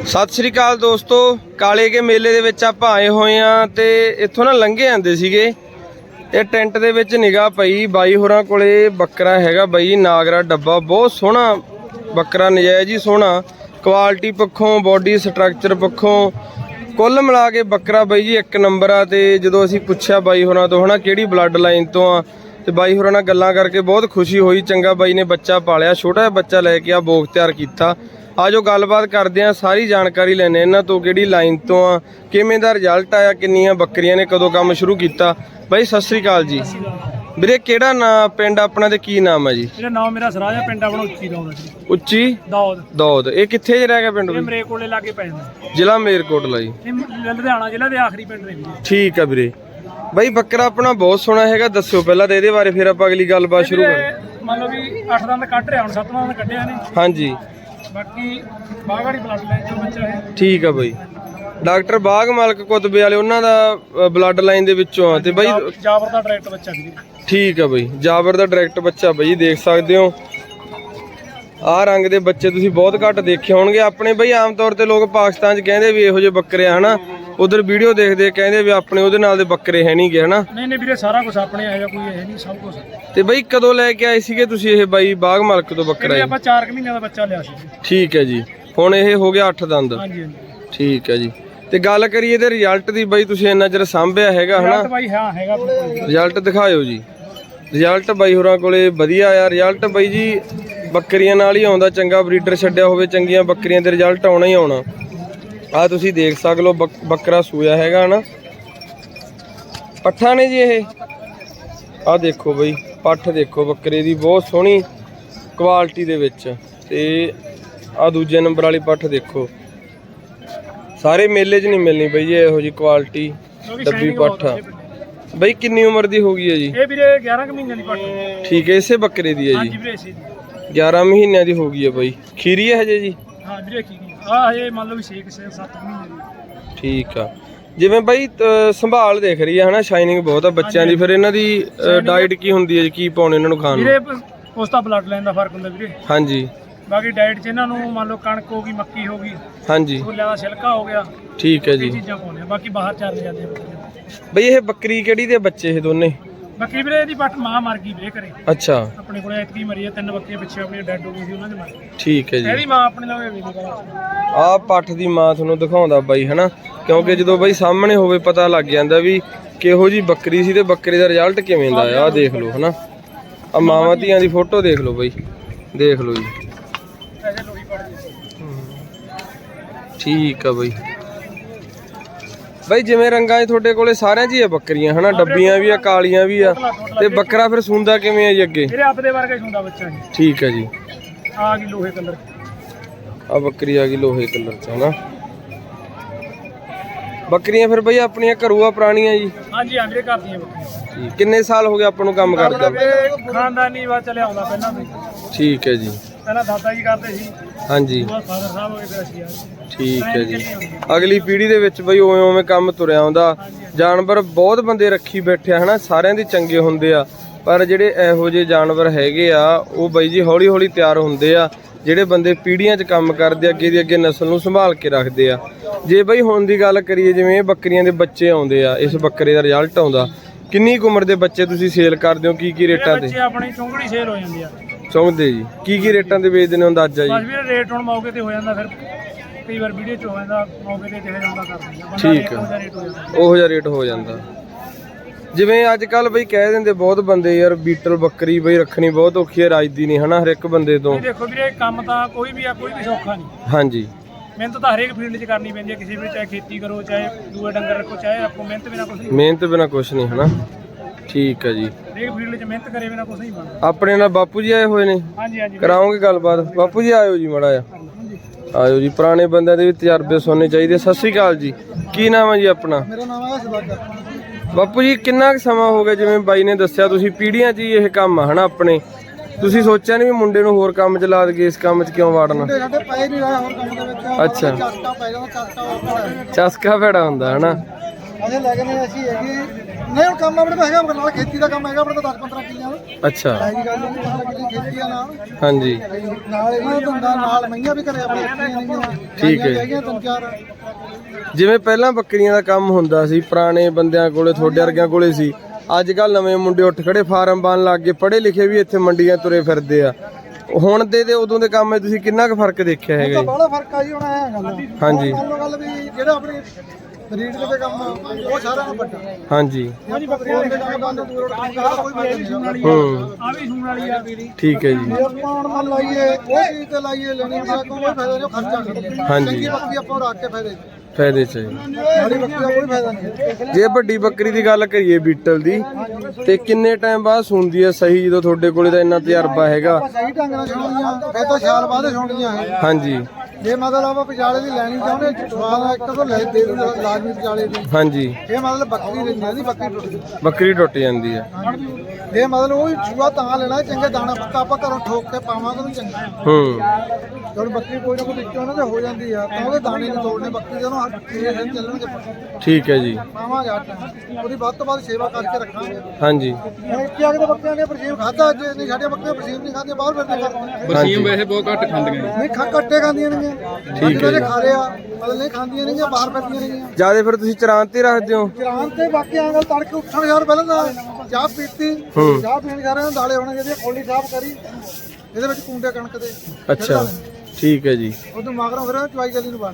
ਸਤਿ ਸ਼੍ਰੀ ਅਕਾਲ ਦੋਸਤੋ, ਕਾਲੇ ਕੇ ਮੇਲੇ ਦੇ ਵਿੱਚ ਆਪਾਂ ਆਏ ਹੋਏ ਆ ਤੇ ਇੱਥੋਂ ਨਾ ਲੰਘੇ ਆਂਦੇ ਸੀਗੇ ਤੇ ਟੈਂਟ ਦੇ ਵਿੱਚ ਨਿਗਾਹ ਪਈ ਬਾਈ ਹੋਰਾਂ ਕੋਲੇ ਬੱਕਰਾ ਹੈਗਾ ਬਾਈ ਨਾਗਰਾ ਡੱਬਾ। ਬਹੁਤ ਸੋਹਣਾ ਬੱਕਰਾ, ਨਜਾਇਜ਼ ਹੀ ਸੋਹਣਾ, ਕੁਆਲਿਟੀ ਪੱਖੋਂ ਬੋਡੀ ਸਟਰਕਚਰ ਪੱਖੋਂ ਕੁੱਲ ਮਿਲਾ ਕੇ ਬੱਕਰਾ ਬਾਈ ਜੀ ਇੱਕ ਨੰਬਰ ਆ। ਤੇ ਜਦੋਂ ਅਸੀਂ ਪੁੱਛਿਆ ਬਾਈ ਹੋਰਾਂ ਤੋਂ ਹਨਾ ਕਿਹੜੀ ਬਲੱਡ ਲਾਈਨ ਤੋਂ ਆ ਤੇ ਬਾਈ ਹੋਰਾਂ ਨਾਲ ਗੱਲਾਂ ਕਰਕੇ ਬਹੁਤ ਖੁਸ਼ੀ ਹੋਈ। ਚੰਗਾ ਬਾਈ ਨੇ ਬੱਚਾ ਪਾਲਿਆ, ਛੋਟਾ ਜਿਹਾ ਬੱਚਾ ਲੈ ਕੇ ਆ ਬੋਗ ਤਿਆਰ ਕੀਤਾ। ਆਜੋ ਗੱਲਬਾਤ ਕਰਦੇ ਆ, ਸਾਰੀ ਜਾਣਕਾਰੀ ਲੈਣੇ ਇਹਨਾਂ ਤੋਂ, ਕਿਹੜੀ ਲਾਈਨ ਤੋਂ ਆ, ਕਿਵੇਂ ਦਾ ਰਿਜ਼ਲਟ ਆਇਆ, ਕਿੰਨੀਆਂ ਬੱਕਰੀਆਂ ਨੇ, ਕਦੋਂ ਕੰਮ ਸ਼ੁਰੂ ਕੀਤਾ। ਬਾਈ ਸਤਿ ਸ੍ਰੀ ਅਕਾਲ ਜੀ। ਵੀਰੇ ਕਿਹੜਾ ਨਾਂ ਪਿੰਡ ਆਪਣਾ ਤੇ ਕੀ ਨਾਮ ਹੈ ਜੀ? ਮੇਰਾ ਨਾਮ ਮੇਰਾ ਸਰਾਜ ਆ, ਪਿੰਡ ਆਪਣਾ ਉੱਚੀ ਦੌਦ ਜੀ। ਉੱਚੀ ਦੌਦ। ਇਹ ਕਿੱਥੇ ਜੇ ਰਹਿ ਗਿਆ ਪਿੰਡ? ਮਰੇ ਕੋਲੇ ਲਾਗੇ ਪੈ ਜਾਂਦਾ, ਜ਼ਿਲ੍ਹਾ ਮਲੇਰਕੋਟਲਾ ਜੀ। ਲੁਧਿਆਣਾ ਜ਼ਿਲ੍ਹਾ ਦੇ ਆਖਰੀ ਪਿੰਡ ਨੇ। ਠੀਕ ਆ ਵੀਰੇ। ਬਾਈ ਬੱਕਰਾ ਆਪਣਾ ਬਹੁਤ ਸੋਹਣਾ ਹੈਗਾ, ਦੱਸਿਓ ਪਹਿਲਾਂ ਤੇ ਇਹਦੇ ਬਾਰੇ, ਫਿਰ ਆਪਾਂ ਅਗਲੀ ਗੱਲਬਾਤ ਸ਼ੁਰੂ ਕਰਾਂਗੇ। ਮੰਨ ਲਓ ਵੀ 8 ਦੰਦ ਕੱਢ ਰਿਹਾ, ਹੁਣ 7ਵਾਂ ਦੰਦ ਕੱਢਿਆ ਨੇ। ਹਾਂਜੀ, ਬਾਕੀ ਬਾਗਾੜੀ ਬਲੱਡ ਲਾਈਨ ਤੋਂ ਬੱਚਾ ਹੈ। ਠੀਕ ਆ ਬਾਈ। ਡਾਕਟਰ ਬਾਗ ਮਾਲਕ ਕੁਤਬੇ ਵਾਲੇ ਉਹਨਾਂ ਦਾ ਬਲੱਡ ਲਾਈਨ ਦੇ ਵਿੱਚੋਂ ਆ। ਤੇ ਬਾਈ ਜਾਬਰ ਦਾ ਡਾਇਰੈਕਟ ਬੱਚਾ ਵੀ। ਠੀਕ ਆ ਬਾਈ, ਜਾਬਰ ਦਾ ਡਾਇਰੈਕਟ ਬੱਚਾ ਬਾਈ, ਦੇਖ ਸਕਦੇ ਹੋ। ਆਹ ਰੰਗ ਦੇ ਬੱਚੇ ਤੁਸੀਂ ਬਹੁਤ ਘੱਟ ਦੇਖੇ ਹੋਣਗੇ ਆਪਣੇ ਬਾਈ। ਆਮ ਤੌਰ ਤੇ ਲੋਕ ਪਾਕਿਸਤਾਨ 'ਚ ਕਹਿੰਦੇ ਵੀ ਇਹੋ ਜਿਹੇ ਬੱਕਰੇ ਆ ਹਨਾ, ਉਧਰ ਵੀਡੀਓ ਦੇਖਦੇ ਕਹਿੰਦੇ ਵੀ ਆਪਣੇ ਉਹਦੇ ਨਾਲ ਦੇ ਬੱਕਰੇ ਹੈ ਨਹੀਂ ਗੇ ਹਨਾ। ਨਹੀਂ ਵੀਰੇ, ਸਾਰਾ ਕੁਝ ਆਪਣੇ ਹੈਗਾ, ਕੋਈ ਇਹ ਨਹੀਂ, ਸਭ ਕੁਝ। ਤੇ ਬਾਈ ਕਦੋਂ ਲੈ ਕੇ ਆਏ ਸੀਗੇ ਤੁਸੀਂ ਇਹ ਬਾਈ ਬਾਗ ਮਾਲਕ ਤੋਂ ਬੱਕਰਾ? ਆਪਾਂ 4 ਮਹੀਨਿਆਂ ਦਾ ਬੱਚਾ ਲਿਆ ਸੀ। ਠੀਕ ਹੈ ਜੀ, ਹੁਣ ਇਹ ਹੋ ਗਿਆ 8 ਦੰਦ। ਹਾਂਜੀ ਠੀਕ ਹੈ ਜੀ। ਤੇ ਗੱਲ ਕਰੀਏ ਇਹਦੇ ਰਿਜ਼ਲਟ ਦੀ ਬਾਈ, ਤੁਸੀਂ ਇੰਨਾ ਚਿਰ ਸਾਂਭਿਆ ਹੈਗਾ ਹਨਾ? ਬਾਈ ਹਾਂ ਹੈਗਾ। ਰਿਜ਼ਲਟ ਦਿਖਾਇਓ ਜੀ। ਰਿਜ਼ਲਟ ਬਾਈ ਹੋਰਾਂ ਕੋਲੇ ਵਧੀਆ ਆ। ਰਿਜ਼ਲਟ ਬਾਈ ਜੀ ਬੱਕਰੀਆਂ ਨਾਲ ਹੀ ਆਉਂਦਾ, ਚੰਗਾ ਬਰੀਡਰ ਛੱਡਿਆ ਹੋਵੇ, ਚੰਗੀਆਂ ਬੱਕਰੀਆਂ ਦੇ ਰਿਜ਼ਲਟ ਆਉਣਾ ਹੀ ਆਉਣਾ। ਆ ਤੁਸੀਂ ਦੇਖ ਸਕਦੇ ਹੋ ਬੱਕਰਾ ਸੂਇਆ ਹੈਗਾ ਹਨਾ। ਪੱਠਾ ਨੇ ਜੀ ਇਹ, ਆ ਦੇਖੋ ਬਈ ਪੱਠ ਦੇਖੋ ਬੱਕਰੇ ਦੀ, ਬਹੁਤ ਸੋਹਣੀ ਕੁਆਲਿਟੀ ਦੇ ਵਿੱਚ। ਤੇ ਆ ਦੂਜੇ ਨੰਬਰ ਵਾਲੀ ਪੱਠ ਦੇਖੋ, ਸਾਰੇ ਮੇਲੇ 'ਚ ਨਹੀਂ ਮਿਲਣੀ ਬਈ ਜੀ ਇਹੋ ਜੀ ਕੁਆਲਿਟੀ ਡੱਬੀ ਪੱਠ। ਬਈ ਕਿੰਨੀ ਉਮਰ ਦੀ ਹੋ ਗਈ ਹੈ ਜੀ? ਇਹ ਵੀਰੇ 11 ਮਹੀਨਿਆਂ ਦੀ ਪੱਠ। ਠੀਕ ਹੈ, ਇਸੇ ਬੱਕਰੇ ਦੀ ਹੈ ਜੀ? 11 ਮਹੀਨਿਆਂ ਦੀ ਹੋ ਗਈ ਹੈ ਬਾਈ। ਖੀਰੀ ਹੈ ਹਜੇ ਜੀ? ਹਾਂ ਵੀਰੇ ਖੀਰੀ ਆ, ਹਜੇ ਮੰਨ ਲਓ ਵੀ 6-7 ਮਹੀਨੇ ਦੀ। ਠੀਕ ਆ। ਜਿਵੇਂ ਬਾਈ ਸੰਭਾਲ ਦੇਖ ਰਹੀ ਹੈ ਹਨਾ, ਸ਼ਾਈਨਿੰਗ ਬਹੁਤ ਆ ਬੱਚਿਆਂ ਦੀ। ਫਿਰ ਇਹਨਾਂ ਦੀ ਡਾਈਟ ਕੀ ਹੁੰਦੀ ਹੈ ਜੀ, ਕੀ ਪਾਉਣੇ ਇਹਨਾਂ ਨੂੰ ਖਾਣ ਨੂੰ? ਵੀਰੇ ਉਸ ਦਾ ਬਲੱਡ ਲਾਈਨ ਦਾ ਫਰਕ ਹੁੰਦਾ ਵੀਰੇ। ਹਾਂਜੀ। ਬਾਕੀ ਡਾਈਟ 'ਚ ਇਹਨਾਂ ਨੂੰ ਮੰਨ ਲਓ ਕਣਕ ਹੋ ਗਈ, ਮੱਕੀ ਹੋ ਗਈ, ਹਾਂਜੀ, ਛੋਲਿਆਂ ਦਾ ਛਿਲਕਾ ਹੋ ਗਿਆ। ਠੀਕ ਹੈ ਜੀ। ਇਹ ਚੀਜ਼ਾਂ ਪਾਉਣੇ ਆ, ਬਾਕੀ ਬਾਹਰ ਚੱਲ ਜਾਂਦੇ ਆ ਬਈ। ਇਹ ਬੱਕਰੀ ਕਿਹੜੀ ਦੇ ਬੱਚੇ ਇਹ ਦੋਨੇ? ਬੱਕਰੀ ਵੀਰੇ ਇਹਦੀ ਪੱਠ ਮਾਂ ਮਰ ਗਈ ਵੀਰੇ ਘਰੇ। ਅੱਛਾ। ਆਪਣੇ ਕੋਲੇ ਇਤਕੀ ਮਰੀ ਆ, 3 ਬੱਕਰੀਆਂ ਪਿੱਛੇ ਆਪਣੀਆਂ ਡੈਡ ਹੋ ਗਈ ਸੀ, ਉਹਨਾਂ ਦੇ ਮਰ ਗਏ। ਠੀਕ ਹੈ ਜੀ। ਇਹਦੀ ਮਾਂ ਆਪਣੇ ਨਾਲ ਹੋਈ ਨਹੀਂ। ਆਹ ਪੱਠ ਦੀ ਮਾਂ ਤੁਹਾਨੂੰ ਦਿਖਾਉਂਦਾ ਬਾਈ ਹਨਾ, ਕਿਉਂਕਿ ਜਦੋਂ ਬਾਈ ਸਾਹਮਣੇ ਹੋਵੇ ਪਤਾ ਲੱਗ ਜਾਂਦਾ ਵੀ ਕਿਹੋ ਜੀ ਬੱਕਰੀ ਸੀ ਤੇ ਬੱਕਰੇ ਦਾ ਰਿਜ਼ਲਟ ਕਿਵੇਂ ਦਾ ਆ। ਆਹ ਦੇਖ ਲਓ ਹਨਾ, ਆ ਮਾਵਾਂ ਧੀਆਂ ਦੀ ਫੋਟੋ ਦੇਖ ਲਓ ਬਾਈ, ਦੇਖ ਲਓ ਜੀ। ਠੀਕ ਆ ਬਾਈ। ਬਾਈ ਜਿਵੇਂ ਰੰਗਾਂ 'ਚ ਤੁਹਾਡੇ ਕੋਲੇ ਸਾਰਿਆਂ 'ਚ ਹੀ ਆ ਬੱਕਰੀਆਂ ਹਨਾ, ਡੱਬੀਆਂ ਵੀ ਆ, ਕਾਲੀਆਂ ਵੀ ਆ, ਤੇ ਬੱਕਰਾ ਫਿਰ ਸੂੰਦਾ ਕਿਵੇਂ ਆ ਜੀ ਅੱਗੇ? ਮੇਰੇ ਆਪਦੇ ਵਰਗਾ ਸੂੰਦਾ ਬੱਚਾ ਜੀ। ਠੀਕ ਹੈ ਜੀ। ਆ ਗਈ ਲੋਹੇ ਕਲਰ, ਆ ਬੱਕਰੀ ਆ ਗਈ ਲੋਹੇ ਕਲਰ 'ਚ ਹਨਾ। ਬੱਕਰੀਆਂ ਫਿਰ ਬਾਈ ਆਪਣੀਆਂ ਘਰੂ ਆ, ਪੁਰਾਣੀਆਂ ਜੀ? ਹਾਂਜੀ ਹਾਂ ਵੀਰੇ, ਘਰ ਦੀਆਂ ਬੱਕਰੀਆਂ। ਕਿੰਨੇ ਸਾਲ ਹੋ ਗਏ ਆਪਾਂ ਨੂੰ ਕੰਮ ਕਰਦਾ? ਖਾਨਦਾਨੀ ਵਾ ਚੱਲਿਆ ਆਉਂਦਾ ਪਹਿਲਾਂ ਤੋਂ। ਠੀਕ ਹੈ ਜੀ। ਪਹਿਲਾਂ ਦਾਦਾ ਜੀ ਕਰਦੇ ਸੀ। ਹਾਂਜੀ। ਫਾਦਰ ਸਾਹਿਬ ਹੋ ਗਏ, ਫਿਰ ਅਸੀਂ ਆ। ਠੀਕ ਹੈ ਜੀ। ਅਗਲੀ ਪੀੜ੍ਹੀ ਦੇ ਵਿੱਚ ਬਈ ਉਵੇਂ ਉਵੇਂ ਕੰਮ ਤੁਰਿਆ ਆਉਂਦਾ। ਜਾਨਵਰ ਬਹੁਤ ਬੰਦੇ ਰੱਖੀ ਬੈਠੇ ਆ ਹਨਾ, ਸਾਰਿਆਂ ਦੇ ਚੰਗੇ ਹੁੰਦੇ ਆ, ਪਰ ਜਿਹੜੇ ਇਹੋ ਜਿਹੇ ਜਾਨਵਰ ਹੈਗੇ ਆ ਉਹ ਬਾਈ ਜੀ ਹੌਲੀ ਹੌਲੀ ਤਿਆਰ ਹੁੰਦੇ ਆ। ਜਿਹੜੇ ਬੰਦੇ ਪੀੜ੍ਹੀਆਂ 'ਚ ਕੰਮ ਕਰਦੇ, ਅੱਗੇ ਦੀ ਅੱਗੇ ਨਸਲ ਨੂੰ ਸੰਭਾਲ ਕੇ ਰੱਖਦੇ ਆ। ਜੇ ਬਈ ਹੁਣ ਦੀ ਗੱਲ ਕਰੀਏ, ਜਿਵੇਂ ਇਹ ਬੱਕਰੀਆਂ ਦੇ ਬੱਚੇ ਆਉਂਦੇ ਆ, ਇਸ ਬੱਕਰੇ ਦਾ ਰਿਜ਼ਲਟ ਆਉਂਦਾ, ਕਿੰਨੀ ਕੁ ਉਮਰ ਦੇ ਬੱਚੇ ਤੁਸੀਂ ਸੇਲ ਕਰਦੇ ਹੋ, ਕੀ ਰੇਟਾਂ ਤੇ? ਆਪਣੀ ਚੁੰਗੜੀ ਸੇਲ ਹੋ ਜਾਂਦੀ ਆ। ਚੁੰਗਦੇ ਜੀ ਕੀ ਰੇਟਾਂ ਤੇ ਵੇਚਦੇ ਨੇ ਅੰਦਾਜ਼ਾ ਜੀ? ਬਸ ਵੀਰੇ ਰੇਟ ਹੁਣ ਮੌਕੇ ਤੇ ਹੋ ਜਾਂਦਾ, ਫਿਰ ਕਈ ਵਾਰ ਵੀਡੀਓ 'ਚ ਹੋ ਜਾਂਦਾ, ਮੌਕੇ ਤੇ ਜਿਹੜਾ ਜਾਂਦਾ ਕਰ ਦਿੰਦਾ। ਠੀਕ ਆ, ਉਹੋ ਜਿਹਾ ਰੇਟ ਹੋ ਜਾਂਦਾ। ਜਿਵੇਂ ਅੱਜ ਕੱਲ ਬਈ ਕਹਿ ਦਿੰਦੇ ਬਹੁਤ ਬੰਦੇ ਯਾਰ ਬੀਟਲ ਬੱਕਰੀ ਬਈ ਰੱਖਣੀ ਬਹੁਤ ਔਖੀ ਹੈ, ਰਾਜਦੀ ਨਹੀਂ ਹਨਾ ਹਰ ਇੱਕ ਬੰਦੇ ਤੋਂ। ਦੇਖੋ ਵੀਰੇ ਕੰਮ ਤਾਂ ਕੋਈ ਵੀ ਆ, ਕੋਈ ਵੀ ਸੌਖਾ ਨਹੀਂ। ਹਾਂਜੀ। ਮਿਹਨਤ ਤਾਂ ਹਰੇਕ ਫੀਲਡ 'ਚ ਕਰਨੀ ਪੈਂਦੀ ਹੈ, ਕਿਸੇ ਵੀ, ਚਾਹੇ ਖੇਤੀ ਕਰੋ, ਚਾਹੇ ਦੂਏ ਡੰਗਰ ਰੱਖੋ, ਚਾਹੇ ਰੱਖੋ, ਮਿਹਨਤ ਬਿਨਾਂ ਕੁਛ ਨਹੀਂ। ਮਿਹਨਤ ਬਿਨਾਂ ਕੁਛ ਨਹੀਂ ਹਨਾ। ਠੀਕ ਹੈ ਜੀ। ਹਰੇਕ ਫੀਲਡ 'ਚ ਮਿਹਨਤ ਕਰੇ ਬਿਨਾਂ ਕੁਛ ਨਹੀਂ ਬਣਦਾ। ਆਪਣੇ ਨਾਲ ਬਾਪੂ ਜੀ ਆਏ ਹੋਏ ਨੇ? ਹਾਂਜੀ ਹਾਂਜੀ। ਕਰਾਓਗੇ ਗੱਲਬਾਤ? ਬਾਪੂ ਜੀ ਆਇਓ ਜੀ ਮਾੜਾ ਜਿਹਾ, ਆਇਓ ਜੀ। ਪੁਰਾਣੇ ਬੰਦਿਆਂ ਦੇ ਵੀ ਤਜਰਬੇ ਸੁਣਨੇ ਚਾਹੀਦੇ। ਸਤਿ ਸ੍ਰੀ ਅਕਾਲ ਜੀ, ਕੀ ਨਾਮ ਹੈ ਜੀ ਆਪਣਾ? ਮੇਰਾ ਨਾਮ ਹੈ ਸਦਾਗਰ। ਬਾਪੂ ਜੀ ਕਿੰਨਾ ਕੁ ਸਮਾਂ ਹੋ ਗਿਆ, ਜਿਵੇਂ ਬਾਈ ਨੇ ਦੱਸਿਆ ਤੁਸੀਂ ਪੀੜ੍ਹੀਆਂ 'ਚ ਹੀ ਇਹ ਕੰਮ ਆ ਹਨਾ ਆਪਣੇ, ਤੁਸੀਂ ਸੋਚਿਆ ਨਹੀਂ ਵੀ ਮੁੰਡੇ ਨੂੰ ਹੋਰ ਕੰਮ 'ਚ ਲਾ ਦਈਏ, ਇਸ ਕੰਮ 'ਚ ਕਿਉਂ ਵਾੜਨਾ? ਅੱਛਾ, ਚਸਕਾ ਭੈੜਾ ਹੁੰਦਾ ਹਨਾ। ਅਸੀਂ ਲੈ ਗਏ ਅਸੀਂ ਹੈਗੀ ਨਹੀਂ ਹੁਣ ਕੰਮ ਆਪਣੇ ਕੋਲ ਹੈਗਾ ਨਾਲ ਖੇਤੀ ਦਾ ਕੰਮ ਹੈਗਾ ਆਪਣੇ ਕੋਲ 10-15 ਕਿੱਲਿਆਂ ਦਾ। ਅੱਛਾ ਐਜੀ ਗੱਲ ਨਹੀਂ ਮਤਲਬ ਕਿ ਖੇਤੀ ਆ ਨਾਲ ਹਾਂਜੀ ਨਾਲ ਇਹਨਾਂ ਦਾ ਧੰਦਾ ਨਾਲ ਮਈਆਂ ਵੀ ਘਰੇ ਆਪਣੇ ਰੱਖੀਆਂ ਨੇਗੀਆਂ। ਠੀਕ ਹੈ। ਹੈਗੀਆਂ 3-4 ਜਿਵੇਂ ਪਹਿਲਾਂ ਬੱਕਰੀਆਂ ਦਾ ਕੰਮ ਹੁੰਦਾ ਸੀ ਪੁਰਾਣੇ ਬੰਦਿਆਂ ਕੋਲੇ ਤੁਹਾਡੇ ਵਰਗਿਆਂ ਕੋਲੇ ਸੀ, ਅੱਜ ਕੱਲ ਨਵੇਂ ਮੁੰਡੇ ਉੱਠ ਖੜੇ ਫਾਰਮ ਬਣ ਲੱਗ ਗਏ, ਪੜ੍ਹੇ ਲਿਖੇ ਵੀ ਇੱਥੇ ਮੰਡੀਆਂ ਤੁਰੇ ਫਿਰਦੇ ਆ। ਹੁਣ ਦੇ ਤੇ ਉਦੋਂ ਦੇ ਕੰਮ 'ਚ ਤੁਸੀਂ ਕਿੰਨਾ ਕੁ ਫਰਕ ਦੇਖਿਆ ਹੈਗਾ ਜੀ? ਬੜਾ ਫਰਕ ਆ ਜੀ ਹੁਣ ਇਹ ਗੱਲ। ਹਾਂਜੀ ਮੰਨ ਲਓ ਗੱਲ ਵੀ ਜਿਹੜਾ ਆਪਣੀ ਰੀਡ ਦੇ ਕੰਮ ਉਹ ਸਾਰਿਆਂ ਨੂੰ ਵੱਡਾ। ਹਾਂਜੀ ਹਾਂਜੀ ਬੱਕਰੀਆਂ ਦੇ ਕੰਮ ਕਰਨ ਤੋਂ ਦੂਰ ਉੱਠ ਕੋਈ ਫਾਇਦਾ ਨਹੀਂ। ਹੂੰ ਆ ਵੀ ਸੂਣ ਵਾਲੀ ਆ ਵੀਰੀ। ਠੀਕ ਹੈ ਜੀ। ਜੇ ਆਪਾਂ ਹੁਣ ਮੰਨ ਲਾਈਏ ਉਹ ਚੀਜ਼ ਤੇ ਲਾਈਏ ਲੈਣੀ ਦਾ ਕੋਈ ਫਾਇਦਾ ਨਹੀਂ, ਖਰਚਾ ਕਰਦੇ। ਹਾਂਜੀ। ਚੰਗੀ ਬੱਕਰੀ ਆਪਾਂ ਰੱਖ ਕੇ ਫਾਇਦੇ ਫਾਇਦੇ ਚ ਹੈ। ਮਾੜੀ ਬੱਕਰੀ ਦਾ ਕੋਈ ਫਾਇਦਾ ਨਹੀਂ। ਜੇ ਵੱਡੀ ਬੱਕਰੀ ਦੀ ਗੱਲ ਕਰੀਏ ਬੀਟਲ ਦੀ, ਤੇ ਕਿੰਨੇ ਟਾਈਮ ਬਾਅਦ ਸੁਣਦੀ ਹੈ ਸਹੀ, ਜਦੋਂ ਤੁਹਾਡੇ ਕੋਲੇ ਤਾਂ ਇੰਨਾ ਤਜਰਬਾ ਹੈਗਾ? ਆਪਾਂ ਸਹੀ ਢੰਗ ਨਾਲ ਛੋੜੀਆਂ ਫਿਰ ਤਾਂ ਸਾਲ ਬਾਅਦ ਛੋੜੀਆਂ ਹੈ। ਹਾਂਜੀ ਜੇ ਮਤਲਬ ਆਪਾਂ ਵਿਚਾਲੇ ਦੀ ਲੈਣੀ ਚਾਹੁੰਦੇ ਸਵਾਦ ਇੱਕ ਤੋਂ ਲੈ ਦੇ ਦੂੰਗਾ ਲਾਜ਼ਮੀ ਵਿਚਾਲੇ ਦੀ। ਹਾਂਜੀ ਇਹ ਮਤਲਬ ਬੱਕਰੀ ਰਹਿੰਦੀ ਦੀ ਬੱਕਰੀ ਟੁੱਟ ਗਈ। ਬੱਕਰੀ ਟੁੱਟ ਜਾਂਦੀ ਹੈ। ਇਹ ਮਤਲਬ ਉਹ ਛੂਆ ਤਾਂ ਲੈਣਾ ਚੰਗੇ ਦਾਣਾ ਪੱਕਾ ਆਪਾਂ ਘਰੋਂ ਠੋਕ ਕੇ ਪਾਵਾਂਗੇ ਤਾਂ ਚੰਗਾ। ਹੂੰ ਜਦੋਂ ਬੱਕਰੀ ਕੋਈ ਨਾ ਕੋਈ ਵਿੱਚੋਂ ਉਹਨਾਂ ਦੇ ਹੋ ਜਾਂਦੀ ਆ ਤਾਂ ਉਹਦੇ ਦਾਣੇ ਨਹੀਂ ਤੋੜਨੇ ਬੱਕਰੀ ਦੇ, ਉਹਨੂੰ ਹਰ ਦਿਨ ਚੱਲਣਗੇ ਪੱਕੇ। ਠੀਕ ਹੈ ਜੀ। ਪਾਵਾਂਗੇ ਆਟਾ ਉਹਦੀ ਵੱਧ ਤੋਂ ਵੱਧ ਸੇਵਾ ਕਰਕੇ ਰੱਖਾਂਗੇ। ਹਾਂਜੀ ਹੁਣ ਇੱਥੇ ਆ ਕੇ ਤਾਂ ਬੱਕਰੀਆਂ ਨੇ ਪਰਸੀਮ ਖਾਧਾ, ਅੱਜ ਨਹੀਂ ਸਾਡੀਆਂ ਬੱਕਰੀਆਂ ਪਰਸੀਮ ਨਹੀਂ ਖਾਂਦੀਆਂ, ਬਾਹਰ ਫਿਰਦੇ ਕਰਦੇ। ਹਾਂਜੀ ਵੈਸੇ ਬਹੁਤ ਘੱਟ ਖਾਂਦੀਆਂ ਨੇ। ਨਹੀਂ ਕੱਟੇ ਖਾਂਦੀਆਂ ਨੇਗੀਆਂ। ਠੀਕ ਹੈ ਜੀ। ਖਾ ਲਿਆ ਮਤਲਬ ਨਹੀਂ ਖਾਂਦੀਆਂ ਨੇਗੀਆਂ, ਬਾਹਰ ਫਿਰਦੀਆਂ ਨੇਗੀਆਂ। ਜਿਆਦਾ ਫਿਰ ਤੁਸੀਂ ਚਰਾਂ ਤੇ ਰੱਖਦੇ ਹੋ? ਚਰਾਨ ਤੇ ਬਾਕੀ ਆਂ ਗੱਲ ਤੜਕੇ ਉੱਠਣ ਯਾਰ ਪਹਿਲਾਂ ਤਾਂ ਚਾਹ ਪੀਤੀ, ਚਾਹ ਪੀਣ ਸਾਰਿਆਂ ਨੂੰ ਦਾਲੇ ਹੋਣੇ ਜਿਹਦੀ ਖੋਲੀ ਸਾਫ਼ ਕਰੀ, ਇਹਦੇ ਵਿੱਚ ਕੁੰਡੇ ਕਣਕ ਦੇ। ਅੱਛਾ ਠੀਕ ਹੈ ਜੀ। ਉਦੋਂ ਮਗਰੋਂ ਫਿਰ ਚਵਾਈ ਗਲੀ ਨੂੰ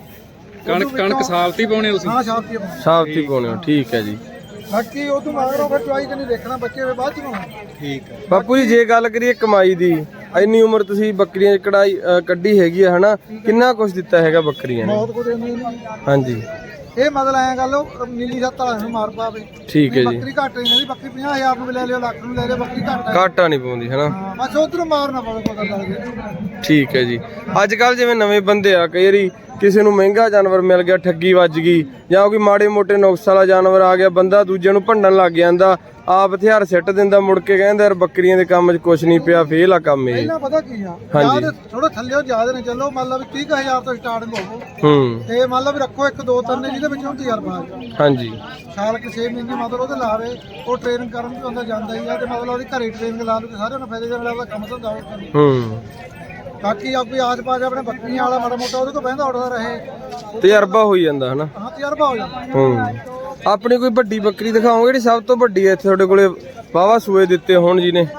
ਬਣਨਾ। ਕਣਕ ਸਾਲਤੀ ਪਾਉਣੇ ਤੁਸੀਂ? ਹਾਂ ਸਾਫ਼ ਕੀ ਪਾਉਣਾ। ਸਾਫਤੀ ਪਾਉਣੇ ਹੋ, ਠੀਕ ਹੈ ਜੀ। ਬਾਕੀ ਉਦੋਂ ਮਗਰੋਂ ਫਿਰ ਚਵਾਈ ਤੇ ਨਹੀਂ ਦੇਖਣਾ, ਬੱਚੇ ਫਿਰ ਬਾਅਦ ਚ ਪਾਉਣਾ। ਠੀਕ ਹੈ। ਬਾਪੂ ਜੀ ਜੇ ਗੱਲ ਕਰੀਏ ਕਮਾਈ ਦੀ, ਇੰਨੀ ਉਮਰ ਤੁਸੀਂ ਬੱਕਰੀਆਂ 'ਚ ਕਢਾਈ ਕੱਢੀ ਹੈਗੀ ਆ ਹਨਾ, ਕਿੰਨਾ ਕੁਛ ਦਿੱਤਾ ਹੈਗਾ ਬੱਕਰੀਆਂ ਨੇ? ਬਹੁਤ ਕੁਝ ਇਹਨੂੰ ਹਾਂਜੀ ਇਹ ਮਤਲਬ ਐਂ ਗੱਲ ਉਹ ਨੀਲੀ ਸੱਤ ਵਾਲਾ ਨੂੰ ਮਾਰ ਪਾਵੇ। ਠੀਕ ਹੈ ਜੀ। ਬੱਕਰੀ ਘੱਟ ਨਹੀਂ ਕਹਿੰਦੀ, ਬੱਕਰੀ 50,000 ਨੂੰ ਵੀ ਲੈ ਲਿਓ, ਲੱਖ ਨੂੰ ਲੈ ਲਿਓ, ਬੱਕਰੀ ਘੱਟ ਹੈ। ਘਾਟਾ ਨਹੀਂ ਪਾਉਂਦੀ ਹਨਾ। ਹਾਂ ਬਸ ਉਧਰੋਂ ਮਾਰਨਾ ਪਵੇ ਪਤਾ ਲੱਗ ਗਿਆ। ਠੀਕ ਹੈ ਜੀ। ਅੱਜ ਕੱਲ ਜਿਵੇਂ ਨਵੇਂ ਬੰਦੇ ਆ, ਕਈ ਵਾਰੀ ਕਿਸੇ ਨੂੰ ਮਹਿੰਗਾ ਜਾਨਵਰ ਮਿਲ ਗਿਆ, ਠੱਗੀ ਵੱਜ ਗਈ, ਜਾਂ ਕੋਈ ਮਾੜੇ ਮੋਟੇ ਨੁਕਸ ਵਾਲਾ ਜਾਨਵਰ ਆ ਗਿਆ, ਬੰਦਾ ਦੂਜੇ ਨੂੰ ਭੰਡਣ ਲੱਗ ਜਾਂਦਾ, ਆਪ ਹਥਿਆਰ ਸਿੱਟ ਦਿੰਦਾ, ਮੁੜ ਕੇ ਕਹਿੰਦਾ ਯਾਰ ਬੱਕਰੀਆਂ ਦੇ ਕੰਮ 'ਚ ਕੁਛ ਨਹੀਂ ਪਿਆ, ਫੇਲ ਆ ਕੰਮ ਇਹ। ਪਹਿਲਾਂ ਪਤਾ ਕੀ ਆ, ਹਾਂਜੀ। ਥੋੜਾ ਥੱਲੇ ਜ਼ਿਆਦਾ ਨੇ ਚੱਲੋ, ਮਤਲਬ 30,000 ਤੋਂ ਸਟਾਰਟਿੰਗ ਹੋਵੋ ਹੂੰ ਤੇ ਮਤਲਬ ਰੱਖੋ 1-2 ਨੇ ਜਿਹਦੇ ਵਿੱਚੋਂ ਤਜਰਬਾ ਆ ਜਾਏ। ਹਾਂਜੀ ਸਾਲ ਕੇ 6 ਮਹੀਨੇ ਮਤਲਬ ਉਹਦੇ ਲਾਵੇ, ਉਹ ਟ੍ਰੇਨਿੰਗ ਕਰਨ ਵੀ ਹੁੰਦਾ ਜਾਂਦਾ ਹੀ ਆ, ਤੇ ਮਤਲਬ ਉਹਦੀ ਘਰੇ ਟ੍ਰੇਨਿੰਗ ਲਾ ਲੂ ਤੇ ਸਾਰਿਆਂ ਨੂੰ ਫਾਇਦੇ ਨਾਲ ਉਹਦਾ ਕੰਮ ਧੰਦਾ ਹੋ। ਹੂੰ ਬਾਕੀ ਆਪੀ ਆਜ ਪਾ ਕੇ ਆਪਣੇ ਬੱਕਰੀਆਂ ਵਾਲਾ ਮਾੜਾ ਮੋਟਾ ਉਹਦੇ ਕੋਲ ਬਹਿੰਦਾ ਉੱਠਦਾ ਰਹੇ, ਤਜਰਬਾ ਹੋਈ ਜਾਂਦਾ ਹਨਾ। ਹਾਂ ਤਜਰਬਾ ਹੋ ਜਾਂਦਾ। ਹੂੰ ਆਪਣੀ ਕੋਈ ਵੱਡੀ ਬੱਕਰੀ ਦਿਖਾਓਗੇ ਜਿਹੜੀ ਸਭ ਤੋਂ ਵੱਡੀ ਹੈ ਇੱਥੇ ਤੁਹਾਡੇ ਕੋਲੇ, ਵਾਹਵਾ ਸੂਏ ਦਿੱਤੇ ਹੋਣ ਜੀ ਨੇ?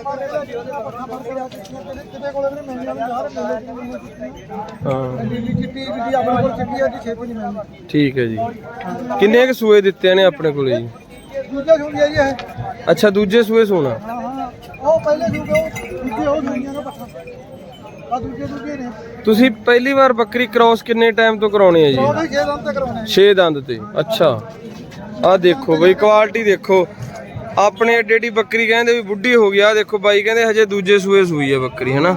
ਹਾਂ ਨੀਲੀ ਚਿੱਟੀ ਜਿਹੜੀ ਆਪਣੇ ਕੋਲ ਚਿੱਟੀ ਆ ਜੀ 6 ਨਹੀਂ ਮਿਲਦੀ। ਠੀਕ ਹੈ ਜੀ। ਕਿੰਨੇ ਕੁ ਸੂਏ ਦਿੱਤੇ ਨੇ ਆਪਣੇ ਕੋਲੇ ਜੀ? ਦੂਜਾ ਸੁਣ ਗਿਆ ਜੀ ਇਹ। ਅੱਛਾ ਦੂਜੇ ਸੂਏ ਸੋਣਾ। ਹਾਂ ਹਾਂ ਉਹ ਪਹਿਲੇ ਸੁਣ ਗਏ, ਦੂਜੇ ਉਹ ਸੁਣੀਆਂ ਨਾ ਪੱਠਾ ਆ ਦੂਜੇ ਨੇ। ਤੁਸੀਂ ਪਹਿਲੀ ਵਾਰ ਬੱਕਰੀ ਕ੍ਰਾਸ ਕਿੰਨੇ ਟਾਈਮ ਤੋਂ ਕਰਾਉਣੀ ਹੈ ਜੀ? ਉਹ 6 ਦੰਦ ਤੇ ਕਰਾਉਣੇ। 6 ਦੰਦ ਤੇ। ਅੱਛਾ ਆਹ ਦੇਖੋ ਬਈ ਕੁਆਲਿਟੀ ਦੇਖੋ, ਆਪਣੇ ਏਡੀ ਏਡੀ ਬੱਕਰੀ ਕਹਿੰਦੇ ਵੀ ਬੁੱਢੀ ਹੋ ਗਈ, ਆਹ ਦੇਖੋ ਬਾਈ ਕਹਿੰਦੇ ਹਜੇ ਦੂਜੇ ਸੂਏ ਸੂਈ ਹੈ ਬੱਕਰੀ ਹਨਾ।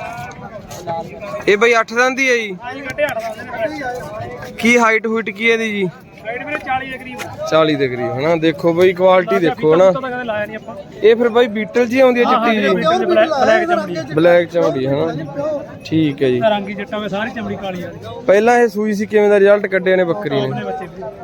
ਇਹ ਬਈ 8 ਦੰਦ ਹੀ ਹੈ ਜੀ? ਹਾਂਜੀ ਕੱਟੇ 8 ਦਾ। ਕੀ ਹਾਈਟ ਹੂਟ ਕੀ ਹੈ ਇਹਦੀ ਜੀ? ਹਾਈਟ ਵੀਰੇ 40 ਦੇ ਕਰੀਬ। 40 ਦੇ ਕਰੀਬ ਹਨਾ। ਦੇਖੋ ਬਈ ਕੁਆਲਿਟੀ ਦੇਖੋ ਹਨਾ। ਤਾਂ ਕਦੇ ਲਾਇਆ ਨਹੀਂ ਆਪਾਂ। ਇਹ ਫਿਰ ਬਾਈ ਬੀਟਲ ਜੀ ਆਉਂਦੀ ਹੈ ਚਿੱਟੀ ਜੀ? ਬਲੈਕ ਚਮੜੀ। ਬਲੈਕ ਚਮੜੀ ਹਨਾ। ਠੀਕ ਹੈ ਜੀ। ਰੰਗੀ ਜੱਟਾ ਵਿੱਚ ਸਾਰੀ ਚਮੜੀ ਕਾਲੀ ਆ। ਪਹਿਲਾਂ ਇਹ ਸੂਈ ਸੀ, ਕਿਵੇਂ ਦਾ ਰਿਜ਼ਲਟ ਕੱਢਿਆ ਨੇ ਬੱਕਰੀ ਨੇ? ਬੱਚੇ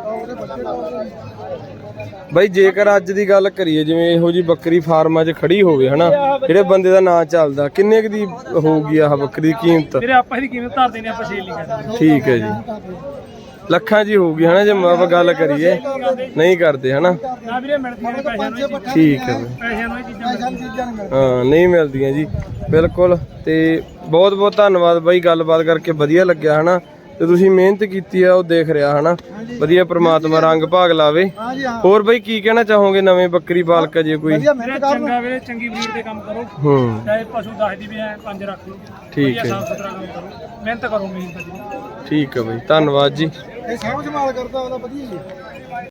ਬਾਈ ਜੇਕਰ ਅੱਜ ਦੀ ਗੱਲ ਕਰੀਏ, ਜਿਵੇਂ ਇਹੋ ਜੀ ਬੱਕਰੀ ਫਾਰਮਾਂ 'ਚ ਖੜੀ ਹੋਵੇ ਹਨਾ, ਜਿਹੜੇ ਬੰਦੇ ਦਾ ਨਾਂ ਚੱਲਦਾ, ਕਿੰਨੇ ਕੁ ਦੀ ਹੋਊਗੀ ਆਹ ਬੱਕਰੀ ਦੀ ਕੀਮਤ? ਵੀਰੇ ਆਪਾਂ ਇਹਦੀ ਕੀਮਤ ਧਰ ਦੇਣੀ, ਆਪਾਂ ਸੇਲ ਨਹੀਂ ਕਰਦੇ। ਠੀਕ ਹੈ ਜੀ। ਲੱਖਾਂ 'ਚ ਹੀ ਹੋਊਗੀ ਹਨਾ ਜੇ ਆਪਾਂ ਗੱਲ ਕਰੀਏ? ਨਹੀਂ ਕਰਦੇ ਹਨਾ। ਨਾ ਵੀਰੇ ਮਿਲਦੀਆਂ ਨੇ ਪੈਸਿਆਂ ਨੂੰ। ਠੀਕ ਹੈ ਬਈ। ਪੈਸਿਆਂ ਨੂੰ ਇਹ ਚੀਜ਼ਾਂ ਹਾਂ ਨਹੀਂ ਮਿਲਦੀਆਂ ਜੀ ਬਿਲਕੁਲ। ਤੇ ਬਹੁਤ ਬਹੁਤ ਧੰਨਵਾਦ ਬਾਈ, ਗੱਲਬਾਤ ਕਰਕੇ ਵਧੀਆ ਲੱਗਿਆ ਹਨਾ। ਤੇ ਤੁਸੀਂ ਮਿਹਨਤ ਕੀਤੀ ਆ ਉਹ ਦੇਖ ਰਿਹਾ ਹਨਾ, ਵਧੀਆ ਪ੍ਰਮਾਤਮਾ ਰੰਗ ਭਾਗ ਲਾਵੇ। ਹੋਰ ਬਾਈ ਕੀ ਕਹਿਣਾ ਚਾਹੋਗੇ ਨਵੇਂ ਬੱਕਰੀ ਪਾਲਕ ਜੇ ਕੋਈ? ਚੰਗਾ ਵੀਰੇ, ਚੰਗੀ ਬਰੀਡ ਦੇ ਕੰਮ ਕਰੋ। ਚਾਹੇ ਪਸ਼ੂ 10 ਦੀ ਵੀ ਐ 5 ਰੱਖ ਲਓ। ਠੀਕ ਹੈ ਸਾਫ ਸੁਥਰਾ ਕੰਮ ਕਰੋ, ਮਿਹਨਤ ਕਰੋ, ਮਿਹਨਤ। ਠੀਕ ਹੈ ਬਾਈ, ਧੰਨਵਾਦ ਜੀ। ਇਹ ਸਾਂਭ ਸੰਭਾਲ ਕਰਦਾ ਉਹਦਾ ਵਧੀਆ ਜੀ।